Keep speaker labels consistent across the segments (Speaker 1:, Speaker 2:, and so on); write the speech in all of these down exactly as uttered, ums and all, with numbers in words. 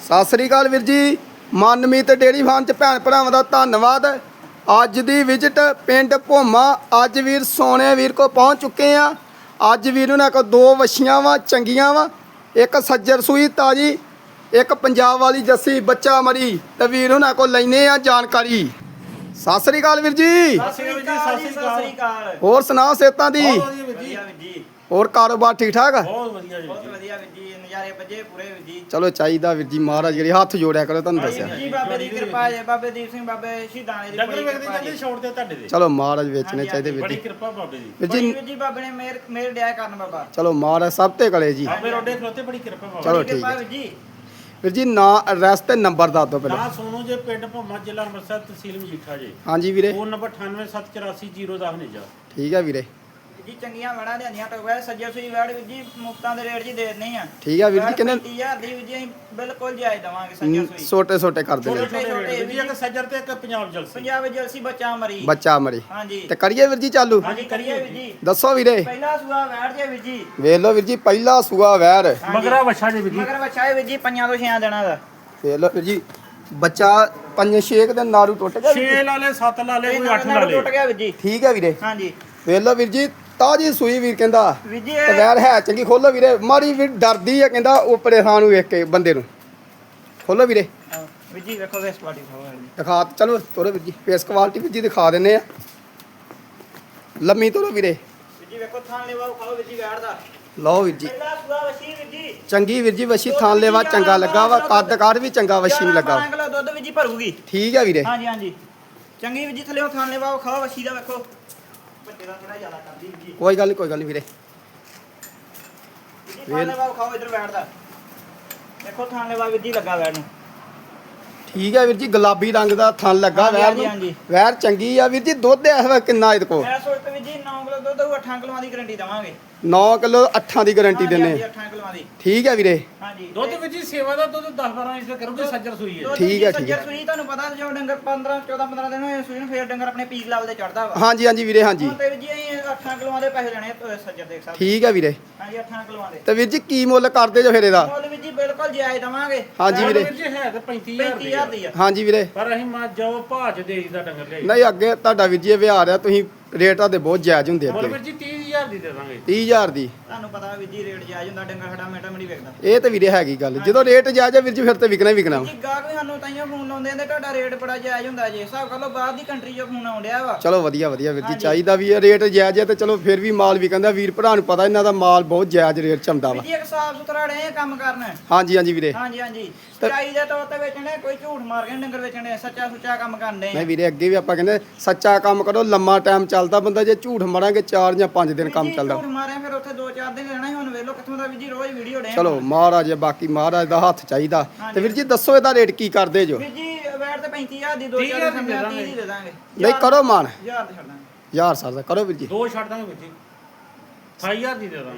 Speaker 1: ਸਤਿ ਸ੍ਰੀ ਅਕਾਲ ਵੀਰ ਜੀ। Manmeet dairy farm ਚ ਭੈਣ ਭਰਾਵਾਂ ਦਾ ਧੰਨਵਾਦ। ਅੱਜ ਦੀ ਵਿਜ਼ਿਟ ਪਿੰਡ ਭੋਮਾ। ਅੱਜ ਵੀਰ ਸੋਨੇ ਵੀਰ ਕੋ ਪਹੁੰਚ ਚੁੱਕੇ ਆ। ਅੱਜ ਵੀਰ ਉਹਨਾਂ ਕੋਲ ਦੋ ਵਛੀਆਂ ਵਾ ਚੰਗੀਆਂ ਵਾ, ਇੱਕ ਸੱਜਰ ਸੂਈ ਤਾਜੀ, ਇੱਕ ਪੰਜਾਬ ਵਾਲੀ ਜੱਸੀ ਬੱਚਾ ਮਰੀ। ਤੇ ਵੀਰ ਉਹਨਾਂ ਕੋਲ ਲੈਨੇ ਆ ਜਾਣਕਾਰੀ। ਸਤਿ ਸ੍ਰੀ ਅਕਾਲ ਵੀਰ ਜੀ।
Speaker 2: ਸਤਿ ਸ੍ਰੀ ਅਕਾਲ।
Speaker 1: ਹੋਰ ਸੁਣਾਓ ਸਿਹਤਾਂ ਦੀ?
Speaker 2: ਵਧੀਆ ਵੀਰ ਜੀ।
Speaker 1: ਹੋਰ ਕਾਰੋਬਾਰ ਠੀਕ ਠਾਕ ਆ?
Speaker 2: ਬਹੁਤ ਵਧੀਆ ਜੀ। ਬਹੁਤ ਵਧੀਆ ਵੀਰ ਜੀ। ਨਜ਼ਾਰੇ ਵੱਜੇ ਪੂਰੇ ਵੀਰ ਜੀ।
Speaker 1: ਚਲੋ ਚਾਹੀਦਾ ਵੀਰ ਜੀ। ਮਹਾਰਾਜ ਜਿਹੜੇ ਹੱਥ ਜੋੜਿਆ ਕਰੋ, ਤੁਹਾਨੂੰ ਦੱਸਿਆ
Speaker 2: ਜੀ ਬਾਬੇ ਦੀ ਕਿਰਪਾ ਹੈ। ਬਾਬੇ ਦੀਪ ਸਿੰਘ ਬਾਬੇ ਸ਼ਹੀਦਾਂ ਦੀ
Speaker 3: ਡੰਗਰ ਵੇਖਦੇ ਜਾਂਦੇ ਛੋੜ ਤੇ ਤੁਹਾਡੇ ਦੇ।
Speaker 1: ਚਲੋ ਮਹਾਰਾਜ ਵੇਚਣੇ ਚਾਹੀਦੇ ਵੀਰ
Speaker 3: ਬੜੀ
Speaker 1: ਜੀ।
Speaker 3: ਕਿਰਪਾ ਬਾਬੇ ਦੀ।
Speaker 1: ਵੀਰ
Speaker 2: ਜੀ
Speaker 1: ਜੀ
Speaker 2: ਵੀਰ ਜੀ ਬਾਬੇ ਨੇ ਮੇਰ ਮੇਰ ਡਿਆ ਕਰਨ ਬਾਬਾ।
Speaker 1: ਚਲੋ ਮਹਾਰਾਜ ਸਭ ਤੇ ਕਲੇ ਜੀ।
Speaker 3: ਬਾਬੇ ਰੋਡੇ ਖਲੋਤੇ ਬੜੀ ਕਿਰਪਾ ਬਾਬੇ
Speaker 1: ਚਲੋ
Speaker 2: ਬੜੀ
Speaker 1: ਠੀਕ
Speaker 2: ਕਿਰਪਾ
Speaker 1: ਹੈ
Speaker 2: ਵੀਰ ਜੀ।
Speaker 1: ਵੀਰ ਜੀ ਨਾਂ ਐਡਰੈਸ ਤੇ ਨੰਬਰ ਦੱਸ ਦਿਓ ਪਹਿਲਾਂ।
Speaker 3: ਨਾ ਸੋਨੂ ਜੇ ਪਿੰਡ ਭੋਮਾ ਜ਼ਿਲ੍ਹਾ ਅੰਮ੍ਰਿਤਸਰ ਤਹਿਸੀਲ ਮਜੀਠਾ ਜੇ।
Speaker 1: ਹਾਂਜੀ ਵੀਰੇ।
Speaker 3: ਫੋਨ ਨੰਬਰ ਅਠਾਨਵੇਂ ਸੱਤ ਚੁਰਾਸੀ ਜ਼ੀਰੋ ਦਸ ਨੇਜਾ।
Speaker 1: ਠੀਕ ਹੈ ਵੀਰੇ।
Speaker 2: ਜੀ ਚੰਗੀਆਂ ਵੜਾਂ ਲਿਆਂਦੀਆਂ ਟੋਗਾ ਸੱਜੇ ਸੂਈ ਵੜ ਵੀਰ ਜੀ ਮੁਫਤਾਂ ਦੇ ਰੇਟ ਜੀ ਦੇ ਦਿੰਦੇ ਆ।
Speaker 1: ਠੀਕ ਹੈ ਵੀਰ ਜੀ। ਕਿੰਨੇ
Speaker 2: ਪੈਂਤੀ ਹਜ਼ਾਰ ਦੀ ਵੀਰ ਜੀ ਅਸੀਂ ਬਿਲਕੁਲ ਜਾਇਜ਼ ਦਵਾਂਗੇ ਸੱਜੇ ਸੂਈ।
Speaker 1: ਛੋਟੇ ਛੋਟੇ ਕਰ
Speaker 3: ਛੋਟੇ
Speaker 1: ਦੇਣੇ।
Speaker 3: ਛੋਟੇ ਵੀਰ ਜੀ ਇੱਕ ਸੱਜਰ ਤੇ ਇੱਕ ਪੰਜਾਬ ਜਲਸੀ।
Speaker 2: ਪੰਜਾਬ ਜਲਸੀ ਬੱਚਾ ਮਰੀ।
Speaker 1: ਬੱਚਾ ਮਰੀ।
Speaker 2: ਹਾਂਜੀ
Speaker 1: ਤੇ ਕਰੀਏ ਵੀਰ ਜੀ ਚਾਲੂ।
Speaker 2: ਹਾਂਜੀ ਕਰੀਏ ਵੀਰ ਜੀ।
Speaker 1: ਦੱਸੋ ਵੀਰੇ।
Speaker 2: ਪਹਿਲਾ ਸੂਆ ਵੈੜ ਜੇ ਵੀਰ ਜੀ।
Speaker 1: ਵੇਖ ਲਓ ਵੀਰ ਜੀ ਪਹਿਲਾ ਸੂਆ ਵੈਰ।
Speaker 3: ਮਗਰਾ ਵਛਾ ਜੇ ਵੀਰ ਜੀ।
Speaker 2: ਮਗਰ ਬੱਚਾ ਵੀਰ ਜੀ ਪੰਜਾਂ ਤੋਂ ਛਿਆਂ ਦਿਨਾਂ ਦਾ।
Speaker 1: ਵੇਖ ਲਓ ਵੀਰ ਜੀ ਬੱਚਾ ਪੰਜ ਛੇ ਦਿਨ ਨਾਰੂ ਟੁੱਟ ਗਿਆ ਵੀਰ ਜੀ।
Speaker 3: ਛੇ ਲਾਲੇ ਸੱਤ ਲਾਲੇ ਕੋਈ ਅੱਠ
Speaker 2: ਨਾਲ
Speaker 3: ਲਾਲੇ।
Speaker 2: ਟੁੱਟ ਗਿਆ ਵੀਰ ਜੀ।
Speaker 1: ਠੀਕ ਹੈ ਵੀਰੇ।
Speaker 2: ਹਾਂਜੀ
Speaker 1: ਵੇਖ ਲਓ ਵੀਰ ਜੀ ਤਾਜੀ ਸੂਈ ਵੀਰ ਕਹਿੰਦਾ।
Speaker 2: ਵੀਰ ਜੀ
Speaker 1: ਤੇ ਵੈਰ ਹੈ ਚੰਗੀ। ਖੋਲੋ ਵੀਰੇ। ਮਾਰੀ ਵੀਰ ਡਰਦੀ ਆ ਕਹਿੰਦਾ ਉਪਰੇ ਥਾਂ ਨੂੰ ਵੇਖ ਕੇ ਬੰਦੇ ਨੂੰ। ਖੋਲੋ ਵੀਰੇ।
Speaker 2: ਵੀਰ ਜੀ ਵੇਖੋ ਵੇਸ ਪਾਰਟੀ ਖਾਓ
Speaker 1: ਦਿਖਾ ਚਲੋ ਤੋਰੋ ਵੀਰ ਜੀ। ਫੇਸ ਕੁਆਲਿਟੀ ਵੀਰ ਜੀ ਦਿਖਾ ਦਿੰਨੇ ਆ। ਲੰਮੀ ਤੋਰੋ ਵੀਰੇ।
Speaker 2: ਵੀਰ ਜੀ ਵੇਖੋ ਥਾਂ ਲੈਵਾ ਖਾਓ ਵੀਰ ਜੀ ਵੈੜ ਦਾ।
Speaker 1: ਲਓ ਵੀਰ ਜੀ
Speaker 2: ਪਹਿਲਾ ਸੂਆ ਵਸੀ ਵੀਰ ਜੀ।
Speaker 1: ਚੰਗੀ ਵੀਰ ਜੀ ਵਛੀ ਥਾਂ ਲੈਵਾ ਚੰਗਾ ਲੱਗਾ ਵਾ। ਕੱਦ ਕਾਰ ਵੀ ਚੰਗਾ ਵਛੀ ਨੂੰ ਲੱਗਾ।
Speaker 2: ਬਾਰਾਂ ਕਿਲੋ ਦੁੱਧ ਵੀਰ ਜੀ ਭਰੂਗੀ।
Speaker 1: ਠੀਕ ਹੈ ਵੀਰੇ।
Speaker 2: ਹਾਂਜੀ ਹਾਂਜੀ ਚੰਗੀ ਵੀਰ ਜੀ ਥੱਲੇ ਥਾਂ ਲੈਵਾ ਖਾਓ ਵਸੀ ਦਾ ਵੇਖੋ। ਵੱਡੇ ਦਾ ਥੋੜਾ ਜ਼ਿਆਦਾ ਕਰਦੀ ਵੀਰ ਜੀ।
Speaker 1: ਕੋਈ ਗੱਲ ਨਹੀਂ ਕੋਈ ਗੱਲ ਨਹੀਂ ਵੀਰੇ।
Speaker 2: ਵੀਰ ਜੀ ਥਾਂ ਲੈਵਾ ਖਾਓ ਇਧਰ ਵੈੜ ਦਾ। ਵੇਖੋ ਥਾਂ ਲੈਵਾ ਵੀਰ ਜੀ ਲੱਗਾ ਵੈੜ ਨੂੰ।
Speaker 1: ਠੀਕ ਹੈ ਵੀਰ ਜੀ ਗੁਲਾਬੀ ਰੰਗ ਦਾ ਥਣ ਲੱਗਾ
Speaker 2: ਹਾਂਜੀ,
Speaker 1: ਵੈਰ
Speaker 2: ਹਾਂਜੀ,
Speaker 1: ਨੂੰ।
Speaker 2: ਹਾਂਜੀ।
Speaker 1: ਵੈਰ ਚੰਗੀ ਆ ਵੀਰ ਜੀ। ਦੁੱਧ ਇਸ ਵੇਲੇ ਕਿੰਨਾ ਇਹਦੇ ਕੋਲ?
Speaker 2: ਮੈਂ ਸੋਚਦਾ ਵੀਰ ਜੀ ਨੌ ਕਿਲੋ ਦੁੱਧ ਉਹ ਅੱਠ ਕਿਲੋਆਂ ਦੀ ਗਾਰੰਟੀ ਦਵਾਂਗੇ।
Speaker 1: ਨੌ ਕਿਲੋ ਅੱਠਾਂ ਦੀ ਗਾਰੰਟੀ
Speaker 2: ਹਾਂਜੀ,
Speaker 1: ਦਿੰਨੇ।
Speaker 2: ਹਾਂਜੀ, ਅੱਠਾਂ ਕਿਲੋਆਂ ਦੀ।
Speaker 1: ਠੀਕ ਹੈ ਵੀਰੇ।
Speaker 2: ਹਾਂਜੀ
Speaker 3: ਦੁੱਧ ਵੀਰ ਜੀ ਸੇਵਾ ਦਾ ਦੁੱਧ ਦਸ ਬਾਰਾਂ ਲੀਟਰ ਕਰੂਗੇ ਸੱਜਰ ਸੂਈ ਹੈ।
Speaker 2: ਦੁੱਧ
Speaker 1: ਠੀਕ ਹੈ,
Speaker 2: ਜੀ
Speaker 1: ਠੀਕ ਹੈ।
Speaker 2: ਸੱਜਰ ਸੂਈ ਤੁਹਾਨੂੰ ਪਤਾ ਜੋ ਡੰਗਰ ਪੰਦਰਾਂ ਚੌਦਾਂ ਪੰਦਰਾਂ ਦਿਨ ਹੋਏ ਸੂਈ ਨੂੰ ਫੇਰ ਡੰਗਰ ਆਪਣੇ ਪੀਕ ਲੈਵਲ ਤੇ ਚੜਦਾ ਵਾ।
Speaker 1: ਹਾਂਜੀ ਹਾਂਜੀ ਵੀਰੇ ਹਾਂਜੀ।
Speaker 2: ਹੁਣ ਤੇ ਵੀਰ ਜੀ ਅਸੀਂ ਅੱਠਾਂ ਕਿਲੋਆਂ ਦੇ ਪੈਸੇ ਲੈਣੇ ਆ ਸੱਜਰ ਦੇਖ ਸਕਦੇ।
Speaker 1: ਠੀਕ ਹੈ ਵੀਰੇ।
Speaker 2: ਹਾਂਜੀ ਅੱਠਾਂ ਕਿਲੋਆਂ ਦੇ।
Speaker 1: ਤੇ ਵੀਰ ਜੀ ਕੀ ਮੁੱਲ ਕਰਦੇ ਜੋ ਫਿਰ ਇਹਦਾ?
Speaker 2: ਮੁੱਲ ਵੀਰ ਜੀ ਬਿਲਕੁਲ ਜਾਇਜ਼ ਦਵਾਂਗੇ।
Speaker 1: ਹਾਂਜੀ ਵੀਰੇ।
Speaker 3: ਵੀਰ ਜੀ ਹੈ ਤੇ ਪੈਂਤੀ ਹਜ਼ਾਰ
Speaker 2: ਪੈਂਤੀ ਹਜ਼ਾਰ ਦੀ ਆ।
Speaker 1: ਹਾਂਜੀ ਵੀਰੇ।
Speaker 3: ਪਰ ਅਸੀਂ ਮਾ ਜਾਓ ਭਾਜ ਦੇ ਦਾ ਡੰਗਰ ਲਿਆਈ।
Speaker 1: ਨਹੀਂ ਅੱਗੇ ਤੁਹਾਡਾ ਵੀਰ ਜੀ ਇਹ ਵਿਹਾਰ ਆ। ਤੁਸੀਂ ਰੇਟ ਆ ਦੇ ਬਹੁਤ ਜਾਇਜ਼ ਹੁੰਦੇ
Speaker 3: ਮੁੱਲ
Speaker 1: ਅੱਗੇ।
Speaker 3: ਵੀਰ ਜੀ ਤੀਹ ਹਜ਼ਾਰ ਦੀ ਦੇ ਦਾਂਗੇ।
Speaker 1: ਤੀਹ ਹਜ਼ਾਰ ਦੀ।
Speaker 2: ਤੁਹਾਨੂੰ ਪਤਾ ਵੀਰ ਜੀ ਰੇਟ ਜਾਇਜ਼ ਹੁੰਦਾ ਡੰਗਰ ਸਾਡਾ ਮਿੰਟਾਂ ਮਿੰਟ ਵੇਖਦਾ।
Speaker 1: ਇਹ ਤੇ ਵੀਰੇ ਹੈਗੀ ਗੱਲ। ਜਦੋਂ ਰੇਟ ਜਾਇਜ਼ ਆ ਵੀਰ ਜੀ ਫਿਰ ਤੇ ਵਿਕਣਾ ਹੀ ਵਿਕਣਾ ਵਾ।
Speaker 2: ਜੀ ਗਾਹਕ ਵੀ ਸਾਨੂੰ ਤਾਈਓ ਫੋਨ ਲਾਉਂਦੇ ਨੇ ਤੁਹਾਡਾ ਰੇਟ ਬੜਾ ਜਾਇਜ਼ ਹੁੰਦਾ ਜੇ। ਹਿਸਾਬ ਕਰ ਲਓ ਬਾਹਰ ਦੀ ਕੰਟਰੀ 'ਚੋਂ ਫੋਨ ਆਉਂਦਿਆ ਵਾ।
Speaker 1: ਚਲੋ ਵਧੀਆ ਵਧੀਆ ਵੀਰ ਜੀ।
Speaker 2: ਹਾਂਜੀ।
Speaker 1: ਚਾਹੀਦਾ ਵੀ ਇਹ ਰੇਟ ਜਾਇਜ਼ ਹੈ ਤੇ ਚਲੋ ਫਿਰ ਵੀ ਮਾਲ ਵੀ ਕਹਿੰਦਾ ਵੀਰ ਭਰਾ ਨੂੰ ਪਤਾ ਇਹਨਾਂ ਦਾ ਮਾਲ ਬਹੁਤ ਜਾਇਜ਼ ਰੇਟ ਚ ਆਉਂਦਾ ਵਾ।
Speaker 2: ਵੀਰ ਜੀ ਇੱਕ ਸਾਫ ਸੁਥਰਾ ਰਹੇ ਕੰਮ ਕਰਨਾ।
Speaker 1: ਹਾਂਜੀ ਹਾਂਜੀ ਵੀਰੇ।
Speaker 2: ਹਾਂਜੀ ਹਾਂਜੀ ਸਚਾਈ ਦੇ ਤੌਰ ਤੇ ਵੇਚਣੇ ਕੋਈ ਝੂਠ ਮਾਰ ਕੇ ਡੰਗਰ ਵੇਚਣੇ ਸੱਚਾ ਸੁੱਚਾ ਕੰਮ ਕਰਦੇ
Speaker 1: ਨਹੀਂ ਵੀਰੇ ਅੱਗੇ ਵੀ ਆਪਾਂ ਕਹਿੰਦੇ ਸੱਚਾ ਕੰਮ ਕਰੋ। ਲੰਮਾ ਟਾਈਮ ਚੱਲਦਾ ਬੰਦਾ। ਜੇ ਝੂਠ ਮਾਰਾਂਗੇ ਚਾਰ ਜਾਂ ਪੰਜ ਦਿਨ ਕੰਮ ਚੱਲਦਾ।
Speaker 2: ਝੂਠ ਮਾਰਿਆ ਫਿਰ ਉੱਥੇ ਦੋ ਚਾਰ ਦਿਨ ਰਹਿਣਾ। ਹੁਣ ਵੇਖ ਲਓ ਕਿੱਥੋਂ ਦਾ ਵੀਰ ਜੀ ਰੋਜ਼ ਵੀਡੀਓ ਡੇ।
Speaker 1: ਚਲੋ ਮਹਾਰਾਜ ਬਾਕੀ ਮਹਾਰਾਜ ਦਾ ਹੱਥ ਚਾਹੀਦਾ। ਤੇ ਵੀਰ ਜੀ ਦੱਸੋ ਇਹਦਾ ਰੇਟ ਕੀ ਕਰਦੇ ਜੋ?
Speaker 2: ਵੀਰ ਜੀ ਵੈਟ ਤੇ ਪੈਂਤੀ ਹਜ਼ਾਰ ਦੀ ਦੋ ਚਾਰ ਦਿਨ ਸਮਝਾ ਤੀਹ ਦੀ ਦੇ ਦਾਂਗੇ।
Speaker 1: ਨਹੀਂ ਕਰੋ ਮਾਨ।
Speaker 2: ਹਜ਼ਾਰ ਦੇ ਛੱਡ ਦਾਂਗੇ।
Speaker 1: ਯਾਰ ਸਰ ਦਾ ਕਰੋ ਵੀਰ ਜੀ।
Speaker 3: ਦੋ ਛੱਡ ਦਾਂਗੇ ਵੀਰ ਜੀ। ਅਠਾਈ ਹਜ਼ਾਰ ਦੀ ਦੇ ਦਾਂਗੇ।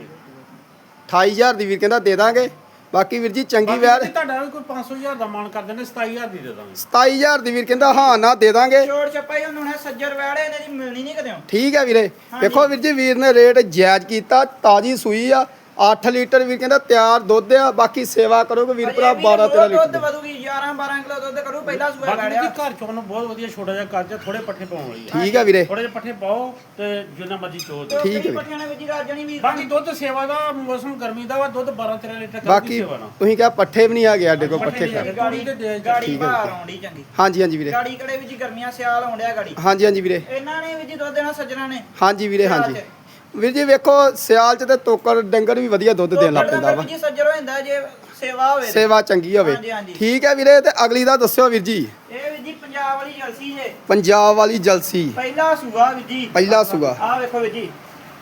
Speaker 1: ਅਠਾਈ ਹਜ਼ਾਰ ਦੀ ਵੀਰ ਕਹਿੰਦਾ ਦੇ ਦਾਂਗੇ। ਬਾਕੀ ਵੀਰ ਜੀ ਚੰਗੀ
Speaker 3: ਬਾਕੀ
Speaker 1: ਵੈਰ।
Speaker 3: ਜੀ ਤੁਹਾਡਾ ਵੀ ਕੋਈ ਪੰਜ ਸੌ ਹਜ਼ਾਰ ਦਾ ਮਾਨ ਕਰ ਦਿੰਦੇ ਸਤਾਈ ਹਜ਼ਾਰ ਦੀ ਦੇ ਦਾਂਗੇ।
Speaker 1: ਸਤਾਈ ਹਜ਼ਾਰ ਦੀ ਵੀਰ ਕਹਿੰਦਾ ਹਾਂ ਨਾ ਦੇ ਦਾਂਗੇ।
Speaker 2: ਛੋੜ ਛੱਪਾ ਹੀ ਹੁਣ ਸੱਜਰ ਵੈੜੇ ਇਹਨਾਂ ਦੀ ਮਿਲਣੀ ਨਹੀਂ ਕਦੇ।
Speaker 1: ਠੀਕ ਹੈ ਵੀਰੇ। ਦੇਖੋ ਵੀਰ ਜੀ ਵੀਰ ਨੇ ਰੇਟ ਜਾਇਜ਼ ਕੀਤਾ। ਤਾਜੀ ਸੂਈ ਆ। ਅੱਠ ਲੀਟਰ ਵੀਰ ਕਹਿੰਦਾ ਤਿਆਰ ਦੁੱਧ ਆ। ਬਾਕੀ ਸੇਵਾ ਕਰੋਗੇ ਵੀਰ ਭਰਾ ਬਾਰਾਂ ਤੇਰਾਂ
Speaker 2: ਦੁੱਧ
Speaker 1: ਲੀਟਰ।
Speaker 2: ਵਧੂਗੀ ਗਿਆਰਾਂ ਬਾਰਾਂ ਕਿਲੋ ਦੁੱਧ ਕਰੂ ਪਹਿਲਾ ਸੂਆ
Speaker 3: ਬਾਕੀ
Speaker 2: ਵੈੜਿਆ।
Speaker 3: ਜੀ ਘਰ ਚੋਂ ਨੂੰ ਬਹੁਤ ਵਧੀਆ ਛੋਟਾ ਜਿਹਾ ਕੱਜ ਥੋੜੇ ਪੱਠੇ ਪਾਉਣ ਵਾਲੀ ਹੈ।
Speaker 1: ਠੀਕ ਹੈ ਵੀਰੇ।
Speaker 3: ਥੋੜੇ ਜਿਹੇ ਪੱਠੇ ਪਾਓ ਤੇ ਜਿੰਨਾ ਮਰਜ਼ੀ ਚੋ ਦਿਓ।
Speaker 1: ਠੀਕ ਹੈ।
Speaker 2: ਪੱਠਿਆਂ ਨੇ ਵੀਰ ਜੀ ਰਾਜਣੀ ਵੀਰ।
Speaker 3: ਬਾਕੀ ਦੁੱਧ ਸੇਵਾ ਦਾ ਮੌਸਮ ਗਰਮੀ ਦਾ ਵਾ ਦੁੱਧ ਬਾਰਾਂ ਤੇਰਾਂ ਲੀਟਰ ਕਰਦੀ
Speaker 1: ਬਾਕੀ
Speaker 3: ਸੇਵਾ ਨਾਲ।
Speaker 1: ਤੁਸੀਂ ਕਿਹਾ ਪੱਠੇ ਵੀ ਨਹੀਂ ਆ ਗਏ ਸਾਡੇ ਕੋਲ ਪੱਠੇ
Speaker 3: ਪੱਠੇ
Speaker 1: ਖਾ।
Speaker 3: ਨਹੀਂ
Speaker 2: ਗਾੜੀ
Speaker 3: ਤੇ ਦੇ
Speaker 2: ਗਾੜੀ ਬਾਹਰ ਆਉਂਦੀ ਚੰਗੀ।
Speaker 1: ਹਾਂਜੀ ਹਾਂਜੀ ਵੀਰੇ।
Speaker 2: ਗਾੜੀ ਕੜੇ ਵਿੱਚ ਗਰਮੀਆਂ ਸਿਆਲ ਆਉਂਦਿਆ ਗਾੜੀ।
Speaker 1: ਹਾਂਜੀ ਹਾਂਜੀ ਵੀਰੇ।
Speaker 2: ਇਹਨਾਂ ਨੇ ਵੀ ਜੀ ਦੁੱਧ ਦੇਣਾ ਸੱਜਣਾ ਨੇ।
Speaker 1: ਹਾਂਜੀ ਵੀਰੇ ਹਾਂਜੀ। ਵੀਰ ਜੀ ਵੇਖੋ ਸਿਆਲ ਚ ਤੇ ਤੋਕੜ ਡੰਗਰ ਵੀ ਵਧੀਆ ਦੁੱਧ ਦੇਣ ਲੱਗ ਪੈਂਦਾ ਵਾ।
Speaker 2: ਜੀ ਸੱਜਰ ਹੋ ਜਾਂਦਾ ਜੇ ਸੇਵਾ ਹੋਵੇ।
Speaker 1: ਸੇਵਾ ਚੰਗੀ ਹੋਵੇ।
Speaker 2: ਹਾਂਜੀ, ਹਾਂਜੀ।
Speaker 1: ਠੀਕ ਹੈ ਵੀਰੇ। ਤੇ ਅਗਲੀ ਦਾ ਦੱਸਿਓ ਵੀਰ ਜੀ।
Speaker 2: ਇਹ ਵੀ ਜੀ ਪੰਜਾਬ ਵਾਲੀ ਜਲਸੀ ਜੇ।
Speaker 1: ਪੰਜਾਬ ਵਾਲੀ ਜਲਸੀ
Speaker 2: ਪਹਿਲਾ ਸੂਆ ਵੀ ਜੀ।
Speaker 1: ਪਹਿਲਾ ਸੂਆ।
Speaker 2: ਆਹ ਵੇਖੋ ਵੀ ਜੀ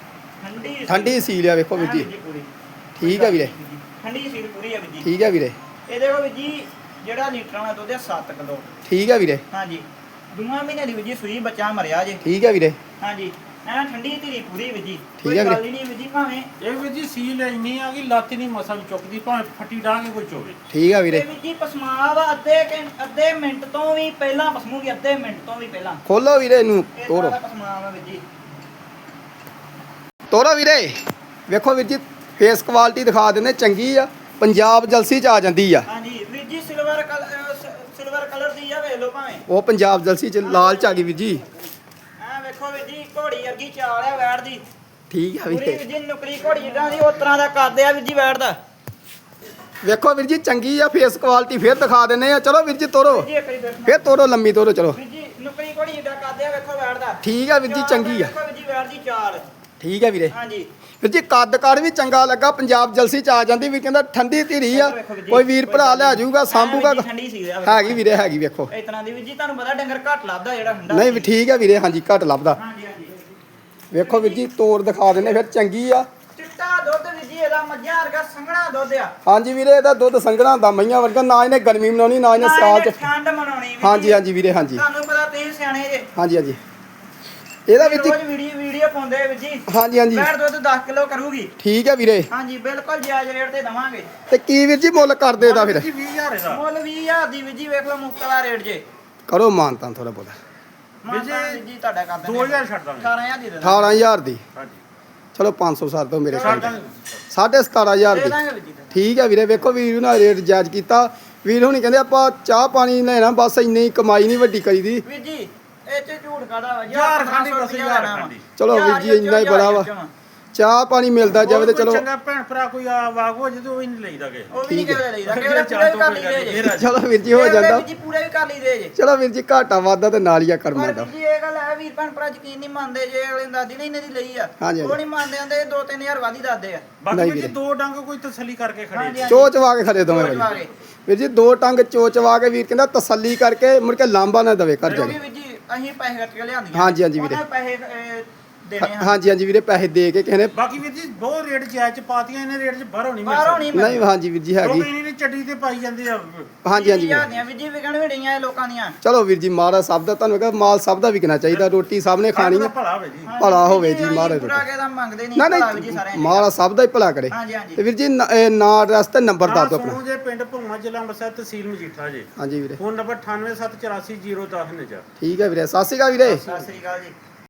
Speaker 2: ਠੰਡੀ
Speaker 1: ਠੰਡੀ ਸੀਲ ਆ ਵੇਖੋ ਵੀਰ ਜੀ।
Speaker 2: ਪੂਰੀ
Speaker 1: ਠੀਕ ਹੈ ਵੀਰੇ।
Speaker 2: ਠੰਡੀ ਸੀਲ ਪੂਰੀ ਹੈ ਵੀ ਜੀ।
Speaker 1: ਠੀਕ ਹੈ ਵੀਰੇ।
Speaker 2: ਇਹ ਦੇਖੋ ਵੀ ਜੀ ਜਿਹੜਾ ਲੀਟਰਾਂ ਦਾ ਦੁੱਧ ਹੈ ਸੱਤ ਕਿਲੋ।
Speaker 1: ਠੀਕ ਹੈ ਵੀਰੇ।
Speaker 2: ਹਾਂਜੀ ਦੋਵਾਂ ਮਹੀਨੇ ਦੀ ਵੀ ਜੀ ਸੂਈ ਬੱਚਾ ਮਰਿਆ ਜੇ।
Speaker 1: ਠੀਕ ਹੈ ਵੀਰੇ।
Speaker 2: ਹਾਂਜੀ ਐ ਠੰਡੀ ਧੀਰੀ ਪੂਰੀ ਵੀ ਜੀ।
Speaker 1: ਠੀਕ
Speaker 2: ਕੋਈ
Speaker 1: ਹੈ ਵੀਰੇ।
Speaker 2: ਗੱਲ ਹੀ ਨਹੀਂ ਵੀ ਜੀ ਭਾਵੇਂ
Speaker 3: ਇਹ ਵੀ ਜੀ ਸੀਲ ਇੰਨੀ ਆ ਕਿ ਲੱਤ ਨਹੀਂ ਮਸਾ ਵੀ ਚੁੱਕਦੀ ਭਾਵੇਂ ਫੱਟੀ ਡਾਂਗੇ ਕੋਈ ਚੋਵੇ।
Speaker 1: ਠੀਕ ਹੈ ਵੀਰੇ।
Speaker 2: ਇਹ ਵੀ ਜੀ ਪਸਮਾਵ ਅੱਧੇ ਘੰ- ਅੱਧੇ ਮਿੰਟ ਤੋਂ ਵੀ ਪਹਿਲਾਂ ਪਸਮੂਗੀ। ਅੱਧੇ ਮਿੰਟ ਤੋਂ ਵੀ ਪਹਿਲਾਂ
Speaker 1: ਖੋਲੋ ਵੀਰੇ ਇਹਨੂੰ
Speaker 2: ਇਹ
Speaker 1: ਤੋਰੋ।
Speaker 2: ਸਾਰਾ ਪਸਮਾਵ ਵੀ ਜੀ।
Speaker 1: ਤੋਰੋ ਵੀਰੇ। ਵੇਖੋ ਵੀਰ ਜੀ ਫੇਸ ਕੁਆਲਿਟੀ ਦਿਖਾ ਦਿੰਦੇ ਚੰਗੀ ਆ। ਪੰਜਾਬ ਜਲਸੀ ਚ ਆ ਜਾਂਦੀ ਆ।
Speaker 2: ਹਾਂਜੀ ਵੀਰ ਜੀ ਸਿਲਵਰ ਕਲਰ ਸਿਲਵਰ ਕਲਰ ਦੀ ਆ ਵੇਖ ਲਓ ਭਾਵੇਂ
Speaker 1: ਉਹ ਪੰਜਾਬ ਜਲਸੀ ਚ ਲਾਲ ਚ ਆ ਗਈ ਵੀਰ ਜੀ
Speaker 2: ਐ ਵੇਖੋ ਵੀਰ ਜੀ ਘੋੜੀ ਵਰਗੀ ਚਾਲ ਆ ਵੈੜ ਦੀ
Speaker 1: ਠੀਕ ਆ
Speaker 2: ਪੂਰੀ
Speaker 1: ਵੀਰੇ
Speaker 2: ਵੀਰ ਜੀ ਨੁਕਰੀ ਘੋੜੀ ਜਿੱਦਾਂ ਦੀ ਉਸ ਤਰ੍ਹਾਂ ਦਾ ਕਰਦੇ ਆ ਵੀਰ ਜੀ ਵੈੜ ਦਾ
Speaker 1: ਵੇਖੋ ਵੀਰ ਜੀ ਚੰਗੀ ਆ ਫੇਸ ਕੁਆਲਿਟੀ ਫੇਰ ਦਿਖਾ ਦਿੰਨੇ ਆ ਚਲੋ ਵੀਰ ਜੀ ਤੋਰੋ
Speaker 2: ਵੀਰ ਜੀ ਇੱਕ ਵਾਰੀ ਦੇਖੋ
Speaker 1: ਫੇਰ ਤੋਰੋ ਲੰਮੀ ਤੋਰੋ ਚਲੋ
Speaker 2: ਵੀਰ ਜੀ ਨੁਕਰੀ ਘੋੜੀ ਜਿੱਦਾਂ ਕਰਦੇ ਆ ਵੇਖੋ ਵੈੜ ਦਾ
Speaker 1: ਠੀਕ ਆ ਵੀਰ ਜੀ
Speaker 2: ਚਾਲ
Speaker 1: ਚੰਗੀ ਆ
Speaker 2: ਵੇਖੋ ਵੀਰ ਜੀ ਵੈੜ ਦੀ ਚਾਲ
Speaker 1: ਠੀਕ ਆ ਵੀਰੇ
Speaker 2: ਹਾਂਜੀ
Speaker 1: ਵੀਰ ਜੀ ਕੱਦ ਕਾੜ ਵੀ ਚੰਗਾ ਲੱਗਾ ਪੰਜਾਬ ਜਲਸੀ ਚ ਆ ਜਾਂਦੀ ਵੀ ਕਹਿੰਦਾ ਠੰਡੀ ਧੀਰੀ ਆ ਕੋਈ ਵੀਰ ਭਰਾ ਲੈ ਜਾਊਗਾ ਸਾਂਭੂਗਾ
Speaker 2: ਐਂ ਵੀਰ ਜੀ ਠੰਡੀ ਸੀ ਆ
Speaker 1: ਹੈਗੀ ਵੀਰੇ ਹੈਗੀ ਵੇਖੋ
Speaker 2: ਇਸ ਤਰ੍ਹਾਂ ਦੀ ਵੀਰ ਜੀ ਤੁਹਾਨੂੰ ਪਤਾ ਡੰਗਰ ਘੱਟ ਲੱਭਦਾ ਜਿਹੜਾ ਠੰਡਾ
Speaker 1: ਨਹੀਂ ਵੀ ਠੀਕ ਆ ਵੀਰੇ ਹਾਂਜੀ ਘੱਟ ਲੱਭਦਾ
Speaker 2: ਹਾਂਜੀ ਹਾਂਜੀ
Speaker 1: ਵੇਖੋ ਵੀਰ ਜੀ ਤੋਰ ਦਿਖਾ ਦਿੰਨੇ ਫਿਰ ਚੰਗੀ ਆ
Speaker 2: ਚਿੱਟਾ ਦੁੱਧ ਵੀਰ ਜੀ ਇਹਦਾ ਮੱਝਾਂ ਵਰਗਾ ਸੰਘਣਾ ਦੁੱਧ ਆ
Speaker 1: ਹਾਂਜੀ ਵੀਰੇ ਇਹਦਾ ਦੁੱਧ ਸੰਘਣਾ ਹੁੰਦਾ ਮਈਆਂ ਵਰਗਾ ਨਾ ਇਹਨੇ ਗਰਮੀ ਮਨਾਉਣੀ ਨਾ ਇਹਨੇ
Speaker 2: ਨਾ
Speaker 1: ਸਿਆਲ
Speaker 2: ਇਹਨੇ
Speaker 1: ਚ
Speaker 2: ਠੰਡ ਮਨਾਉਣੀ ਵੀਰ
Speaker 1: ਹਾਂਜੀ
Speaker 2: ਜੀ।
Speaker 1: ਹਾਂਜੀ ਵੀਰੇ ਹਾਂਜੀ
Speaker 2: ਤੁਹਾਨੂੰ ਪਤਾ ਤੁਸੀਂ ਸਿਆਣੇ ਜੇ
Speaker 1: ਹਾਂਜੀ ਹਾਂਜੀ ਇਹਦਾ ਵੀਰ ਜੀ
Speaker 2: ਰੋਜ਼ ਵੀਡੀਓ ਵੀਡੀਓ ਪਾਉਂਦੇ ਵੀਰ ਜੀ
Speaker 1: ਹਾਂਜੀ ਹਾਂਜੀ
Speaker 2: ਬੈਠ ਦੁੱਧ ਦਸ ਕਿਲੋ ਕਰੂਗੀ
Speaker 1: ਠੀਕ ਹੈ ਵੀਰੇ
Speaker 2: ਹਾਂਜੀ ਬਿਲਕੁਲ ਜਾਇਜ਼ ਰੇਟ ਤੇ ਦਵਾਂਗੇ
Speaker 1: ਤੇ ਕੀ ਵੀਰ ਜੀ ਮੁੱਲ ਕਰਦੇ ਇਹਦਾ ਫਿਰ
Speaker 3: ਜੀ ਵੀਹ ਹਜ਼ਾਰ ਇਹਦਾ
Speaker 2: ਮੁੱਲ ਵੀਹ ਹਜ਼ਾਰ ਦੀ ਵੀਰ ਜੀ ਵੇਖ ਲਓ ਮੁਫਤ ਵਾਲਾ ਰੇਟ ਜੇ
Speaker 1: ਕਰੋ ਮਾਨਤਾਂ ਥੋੜਾ ਬਹੁਤਾ
Speaker 2: ਮਾਤਾ ਵੀਰ ਜੀ ਤੁਹਾਡਾ ਕਰ ਦਿੰਦੇ
Speaker 3: ਦੋ ਹਜ਼ਾਰ ਛੱਡ ਦਾਂਗੇ
Speaker 2: ਅਠਾਰਾਂ ਹਜ਼ਾਰ ਦੀ ਦੇ ਦਾਂਗੇ
Speaker 1: ਅਠਾਰਾਂ ਹਜ਼ਾਰ ਦੀ
Speaker 3: ਹਾਂਜੀ
Speaker 1: ਚਲੋ ਪੰਜ ਸੌ ਸੱਤ ਦੋ ਮੇਰੇ
Speaker 3: ਛੱਡ
Speaker 1: ਕੋਲ
Speaker 3: ਦਾਂਗੇ
Speaker 1: ਸਾਢੇ ਸਤਾਰਾਂ ਹਜ਼ਾਰ
Speaker 2: ਦੇ
Speaker 1: ਦੀ
Speaker 2: ਦਾਂਗੇ ਵੀਰ ਜੀ
Speaker 1: ਠੀਕ ਹੈ ਵੀਰੇ ਵੇਖੋ ਵੀਰ ਨਾਲ ਰੇਟ ਜਾਇਜ਼ ਕੀਤਾ ਵੀਰ ਹੁਣੀ ਕਹਿੰਦੇ ਆਪਾਂ ਚਾਹ ਪਾਣੀ ਲੈਣਾ ਬਸ ਇੰਨੀ ਕਮਾਈ ਨਹੀਂ ਵੱਡੀ ਕਰੀਦੀ
Speaker 2: ਵੀਰ ਜੀ ਇਹ ਚ ਝੂਠ ਕਾਦਾ ਵਾ
Speaker 3: ਹਜ਼ਾਰ ਖਾਂਡੀ
Speaker 2: ਪੰਦਰਾਂ ਸੌ
Speaker 3: ਬਸ
Speaker 2: ਰੁਪਇਆ
Speaker 3: ਹਜ਼ਾਰ
Speaker 2: ਲੈਣਾ ਵਾ।
Speaker 3: ਖਾਂਡੀ।
Speaker 1: ਚਲੋ ਵੀਰ ਜੀ ਇੰਨਾ ਹੀ ਬੜਾ ਵਾ ਚਾਹ ਪਾਣੀ ਮਿਲਦਾ ਜਾਵੇ ਤੇ
Speaker 3: ਕੋਈ
Speaker 1: ਚਲੋ
Speaker 3: ਚੰਗਾ ਭੈਣ ਭਰਾ ਕੋਈ ਆ ਵਾਗ ਹੋ ਜਦੋਂ ਹੀ ਨਹੀਂ ਲਈਦਾ ਕਿ
Speaker 2: ਉਹ ਵੀ ਨਹੀਂ
Speaker 1: ਠੀਕ
Speaker 2: ਕਿਹੜੇ ਲਈਦਾ ਕਿਹੜੇ ਪੂਰੇ ਵੀ ਕਰ ਲਈ ਦੇ ਜੇ
Speaker 1: ਚਲੋ ਵੀਰ ਜੀ ਹੋ ਜਾਂਦਾ
Speaker 2: ਵੀਰ ਜੀ ਪੂਰੇ ਵੀ ਕਰ ਲਈ ਦੇ ਜੇ
Speaker 1: ਚਲੋ ਵੀਰ ਜੀ ਘਾਟਾ ਵਾਧਾ ਤੇ ਨਾਲ ਹੀ ਆ ਕਰਮਾਂ
Speaker 2: ਪਰ
Speaker 1: ਦਾ
Speaker 2: ਵੀਰ ਜੀ ਇਹ ਗੱਲ ਹੈ ਵੀਰ ਭੈਣ ਭਰਾ ਯਕੀਨ ਨਹੀਂ ਮੰਨਦੇ ਜੇ ਅਗਲੇ ਦਾਦੀ ਨੇ ਇਹਨਾਂ ਦੀ ਲਈ ਆ
Speaker 1: ਹਾਂਜੀ,
Speaker 2: ਉਹ
Speaker 1: ਹਾਂਜੀ।
Speaker 2: ਨਹੀਂ ਮੰਨਦੇ ਆਂਦੇ ਦੋ ਤਿੰਨ ਹਜ਼ਾਰ ਵਾਧੀ ਦੱਸਦੇ ਆ
Speaker 3: ਬਾਕੀ
Speaker 1: ਨਹੀਂ
Speaker 3: ਵੀਰ ਜੀ
Speaker 1: ਵੀਰੇ।
Speaker 3: ਦੋ ਡੰਗ ਕੋਈ ਤਸੱਲੀ ਕਰਕੇ ਖੜੇ
Speaker 2: ਹਾਂਜੀ,
Speaker 3: ਨੇ।
Speaker 1: ਚੋਚਵਾ ਕੇ ਖੜੇ ਦੋਵੇਂ
Speaker 2: ਚੋਚਵਾ
Speaker 1: ਵਾਰੀ
Speaker 2: ਕੇ।
Speaker 1: ਵੀਰ ਜੀ ਦੋ ਟੰਗ ਚੋਚਵਾ ਕੇ ਵੀਰ ਕਹਿੰਦਾ ਤਸੱਲੀ ਕਰਕੇ ਮੁੜ ਕੇ ਲਾਂਬਾ ਨਾ ਦਵੇ ਕਰ
Speaker 2: ਕਿਉਂਕਿ
Speaker 1: ਜਾਵੇ
Speaker 2: ਵੀਰ ਜੀ ਅਸੀਂ ਪੈਸੇ ਕੱਟ ਕੇ ਲਿਆਂਦੀਆਂ
Speaker 1: ਹਾਂਜੀ, ਹਾਂਜੀ ਵੀਰੇ।
Speaker 2: ਉਹਨਾਂ ਪੈਸੇ ਅਹ, ਦੇਣੇ ਆ
Speaker 1: ਹਾਂਜੀ ਹਾਂਜੀ ਵੀਰੇ ਪੈਸੇ ਦੇ ਕੇ ਕਿਸੇ ਨੇ
Speaker 3: ਬਾਕੀ ਵੀਰ ਜੀ ਬਹੁਤ ਰੇਟ ਜਾਇਜ਼ ਚ ਪਾਤੀਆਂ ਇਹਨੇ ਰੇਟ ਚ ਬਾਹਰੋਂ ਨਹੀਂ ਮਿਲ
Speaker 2: ਬਾਹਰੋਂ
Speaker 3: ਸਕਦੀ
Speaker 2: ਨਹੀਂ
Speaker 1: ਨਹੀਂ ਹਾਂਜੀ ਵੀਰ ਜੀ ਹੈਗੀ
Speaker 3: ਲੋਕ ਇਹਨੇ ਚੱਡੀ ਤੇ ਪਾਈ ਜਾਂਦੇ ਆ
Speaker 1: ਹਾਂਜੀ ਹਾਂਜੀ ਵੀਰੇ।
Speaker 2: ਦੀਆਂ ਵੀਰ ਜੀ ਵਿਕਣ ਵੜੀਆਂ ਇਹ ਲੋਕਾਂ ਦੀਆਂ
Speaker 1: ਚਲੋ ਵੀਰ ਜੀ ਮਹਾਰਾਜ ਸਭ ਦਾ ਤੁਹਾਨੂੰ ਕਹਿੰਦਾ ਮਾਲ ਸਭ ਦਾ ਵਿਕਣਾ ਚਾਹੀਦਾ ਰੋਟੀ ਸਭ ਨੇ ਖਾਣੀ
Speaker 3: ਦਾ
Speaker 1: ਹੈ
Speaker 3: ਭਲਾ ਹੋਵੇ ਜੀ
Speaker 1: ਭਲਾ ਹੋਵੇ ਜੀ,
Speaker 2: ਅਸੀਂ
Speaker 1: ਮਹਾਰਾਜ
Speaker 2: ਪੂਰਾ
Speaker 1: ਰੋਟੀ।
Speaker 2: ਕੇ ਤਾਂ ਮੰਗਦੇ ਨਹੀਂ
Speaker 1: ਨਾ
Speaker 2: ਭਲਾ ਵੀਰ ਜੀ
Speaker 1: ਨਹੀਂ
Speaker 2: ਸਾਰਿਆਂ
Speaker 1: ਮਹਾਰਾਜ ਸਭ ਦਾ ਹੀ ਭਲਾ ਕਰੇ
Speaker 2: ਹਾਂਜੀ ਹਾਂਜੀ
Speaker 1: ਤੇ ਵੀਰ ਜੀ ਨ- ਇਹ ਨਾਂ ਐਡਰੈਸ ਤੇ ਨੰਬਰ ਦੱਸ ਦਿਓ
Speaker 3: ਸੋਨੂ
Speaker 1: ਆਪਣਾ
Speaker 3: ਜੇ ਪਿੰਡ ਭੁੰਮਾ ਜ਼ਿਲ੍ਹਾ ਅੰਮ੍ਰਿਤਸਰ ਤਹਿਸੀਲ ਮਜੀਠਾ ਜੀ
Speaker 1: ਹਾਂਜੀ ਵੀਰੇ
Speaker 3: ਫੋਨ ਨੰਬਰ ਅਠਾਨਵੇਂ ਸੱਤ ਚੁਰਾਸੀ ਜ਼ੀਰੋ ਦਸ ਨਜਾ
Speaker 1: ਠੀਕ ਹੈ ਵੀਰੇ ਸਤਿ ਸ਼੍ਰੀ ਅਕਾਲ ਵੀਰੇ
Speaker 2: ਸਤਿ ਸ੍ਰੀ ਅਕਾਲ ਜੀ